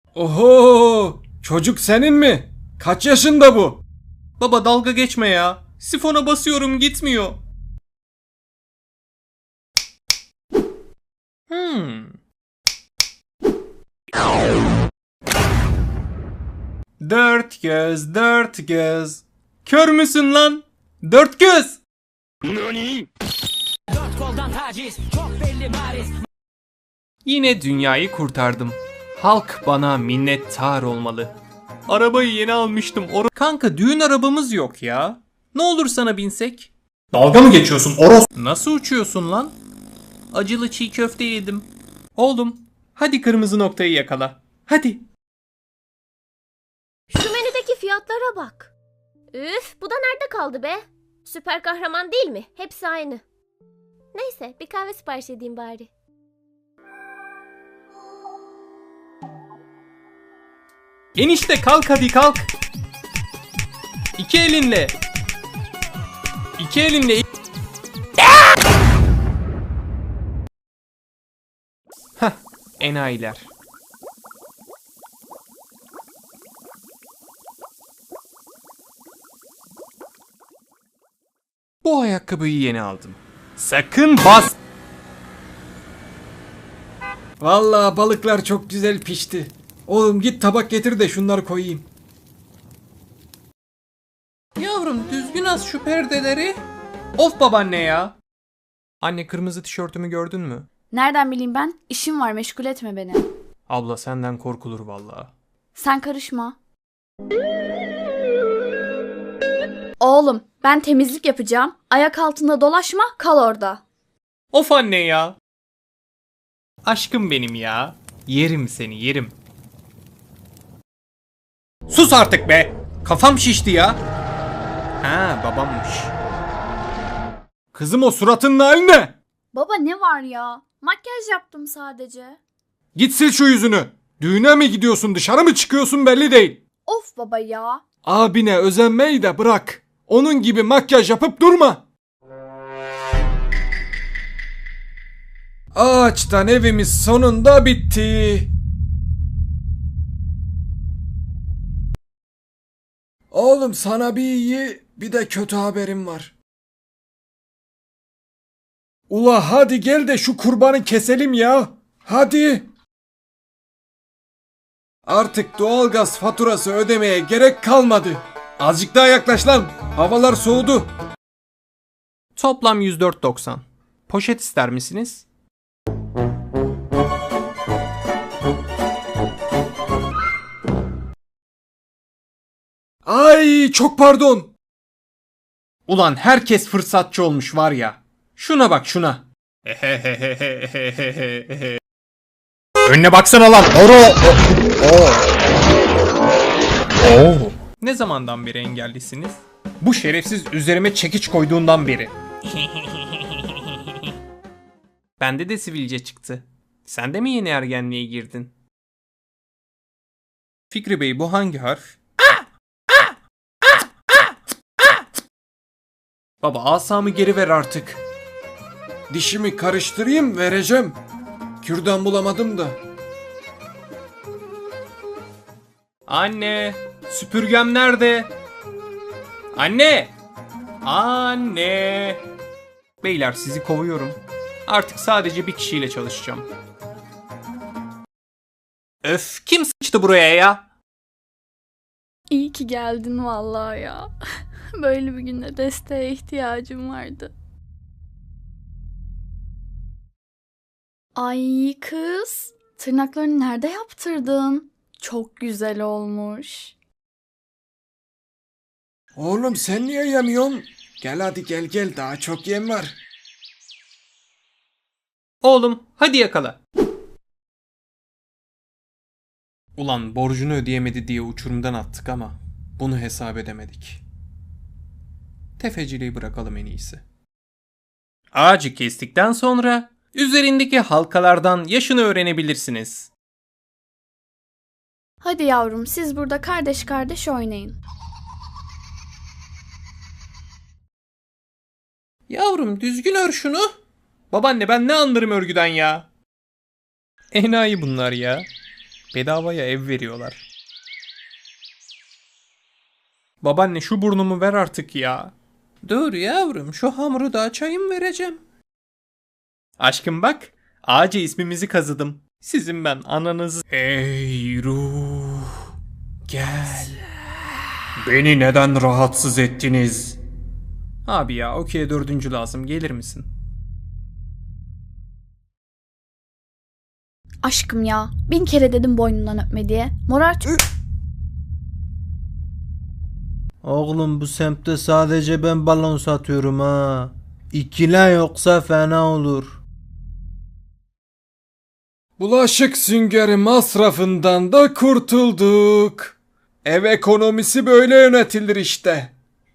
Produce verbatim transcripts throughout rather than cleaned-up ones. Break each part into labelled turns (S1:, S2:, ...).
S1: Oho! Çocuk senin mi? Kaç yaşında bu?
S2: Baba dalga geçme ya. Sifona basıyorum gitmiyor. Hmm. Dört göz, dört göz. Kör müsün lan? Dört göz.
S3: Dört koldan taciz, çok belli bariz.
S2: Yine dünyayı kurtardım. Halk bana minnettar olmalı. Arabayı yeni almıştım. Or- Kanka düğün arabamız yok ya. Ne olur sana binsek?
S4: Dalga mı geçiyorsun Oros?
S2: Nasıl uçuyorsun lan? Acılı çiğ köfte yedim. Oğlum, hadi kırmızı noktayı yakala. Hadi.
S5: Şu menüdeki fiyatlara bak. Üf, bu da nerede kaldı be? Süper kahraman değil mi? Hepsi aynı. Neyse, bir kahve sipariş edeyim bari.
S2: Enişte kalk hadi kalk. İki elinle. İki elinle. Hah, enayiler. Bu ayakkabıyı yeni aldım. Sakın bas.
S1: Vallahi balıklar çok güzel pişti. Oğlum git tabak getir de şunları koyayım.
S2: Yavrum düzgün as şu perdeleri. Of babaanne ya. Anne kırmızı tişörtümü gördün mü?
S6: Nereden bileyim ben? İşim var, meşgul etme beni.
S2: Abla senden korkulur vallahi.
S6: Sen karışma. Oğlum, ben temizlik yapacağım. Ayak altında dolaşma, kal orada.
S2: Of anne ya. Aşkım benim ya. Yerim seni yerim. Sus artık be. Kafam şişti ya. Ha babammış.
S1: Kızım o suratının hali ne?
S6: Baba ne var ya? Makyaj yaptım sadece.
S1: Git sil şu yüzünü. Düğüne mi gidiyorsun, dışarı mı çıkıyorsun belli değil.
S6: Of baba ya.
S1: Abine özenmeyi de bırak. Onun gibi makyaj yapıp durma. Ağaçtan evimiz sonunda bitti. Oğlum sana bir iyi bir de kötü haberim var. Ula hadi gel de şu kurbanı keselim ya. Hadi. Artık doğalgaz faturası ödemeye gerek kalmadı. Azıcık daha yaklaş lan. Havalar soğudu.
S2: Toplam yüz dört doksan. Poşet ister misiniz?
S1: Ay çok pardon.
S2: Ulan herkes fırsatçı olmuş var ya. Şuna bak şuna.
S4: Önüne baksana lan Oro. Oo.
S2: Ne zamandan beri engellisiniz? Bu şerefsiz üzerime çekiç koyduğundan beri. Bende de sivilce çıktı. Sen de mi yeni ergenliğe girdin? Fikri Bey bu hangi harf? Baba asamı geri ver artık.
S1: Dişimi karıştırayım vereceğim. Kürdan bulamadım da.
S2: Anne, süpürgem nerede? Anne! Anne! Beyler sizi kovuyorum. Artık sadece bir kişiyle çalışacağım. Öf, kim sıçtı buraya ya?
S6: İyi ki geldin vallahi ya. Böyle bir günde desteğe ihtiyacım vardı. Ay kız, tırnaklarını nerede yaptırdın? Çok güzel olmuş.
S1: Oğlum sen niye yemiyorsun? Gel hadi gel gel daha çok yem var.
S2: Oğlum, hadi yakala. Ulan borcunu ödeyemedi diye uçurumdan attık ama bunu hesap edemedik. Tefeciliği bırakalım en iyisi. Ağacı kestikten sonra üzerindeki halkalardan yaşını öğrenebilirsiniz.
S6: Hadi yavrum, siz burada kardeş kardeş oynayın.
S2: Yavrum düzgün ör şunu. Babaanne ben ne anlarım örgüden ya. Enayi bunlar ya. Bedavaya ev veriyorlar. Babaanne şu burnumu ver artık ya. Dur yavrum, şu hamuru da açayım vereceğim. Aşkım bak, ağaca ismimizi kazıdım. Sizin ben ananızı... Ey ruh, gel.
S4: Beni neden rahatsız ettiniz?
S2: Abi ya, okey dördüncü lazım, gelir misin?
S6: Aşkım ya. Bin kere dedim boynundan öpme diye. Morart.
S7: Oğlum bu semtte sadece ben balon satıyorum ha. İkile yoksa fena olur.
S1: Bulaşık süngeri masrafından da kurtulduk. Ev ekonomisi böyle yönetilir işte.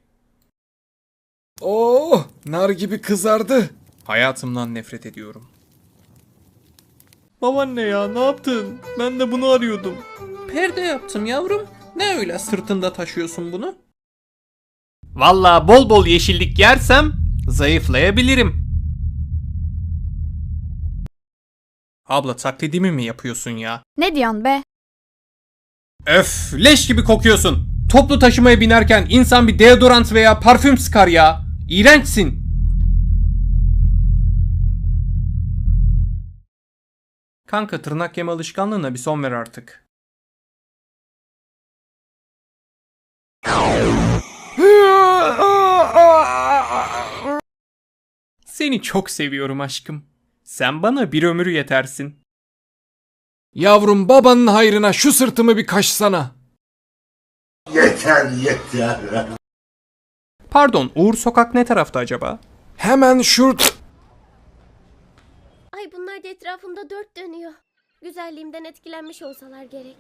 S1: Oh, nar gibi kızardı.
S2: Hayatımdan nefret ediyorum. Babaanne ya, ne yaptın? Ben de bunu arıyordum. Perde yaptım yavrum. Ne öyle sırtında taşıyorsun bunu? Vallahi bol bol yeşillik yersem zayıflayabilirim. Abla taklidimi mi yapıyorsun ya?
S6: Ne diyorsun be?
S2: Öf, leş gibi kokuyorsun. Toplu taşımaya binerken insan bir deodorant veya parfüm sıkar ya. İğrençsin. Kanka tırnak yeme alışkanlığına bir son ver artık. Seni çok seviyorum aşkım. Sen bana bir ömür yetersin.
S1: Yavrum, babanın hayrına şu sırtımı bir kaşsana.
S8: Yeter yeter.
S2: Pardon, Uğur Sokak ne tarafta acaba?
S1: Hemen şurt.
S5: Ay bunlar da etrafımda dört dönüyor. Güzelliğimden etkilenmiş olsalar gerek.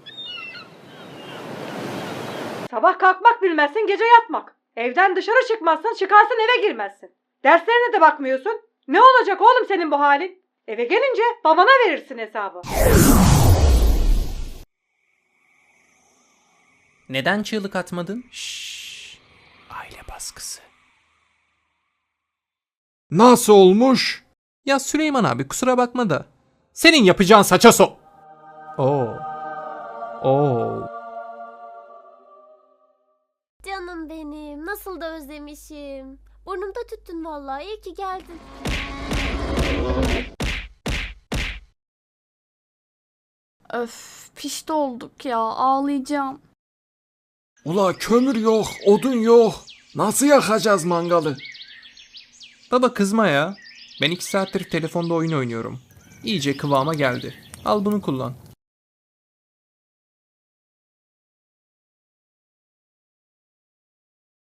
S9: Sabah kalkmak bilmezsin, gece yatmak. Evden dışarı çıkmazsın, çıkarsın eve girmezsin. Derslerine de bakmıyorsun. Ne olacak oğlum senin bu halin? Eve gelince babana verirsin hesabı.
S2: Neden çığlık atmadın? Şşş. Aile baskısı.
S1: Nasıl olmuş?
S2: Ya Süleyman abi kusura bakma da. Senin yapacağın saça so... Oo. Oo.
S5: Canım benim, nasıl da özlemişim. Burnumda tüttün vallahi, iyi ki geldin.
S6: Öf, pişti olduk ya. Ağlayacağım.
S1: Ula kömür yok, odun yok. Nasıl yakacağız mangalı?
S2: Baba kızma ya. Ben iki saattir telefonda oyun oynuyorum. İyice kıvama geldi. Al bunu kullan.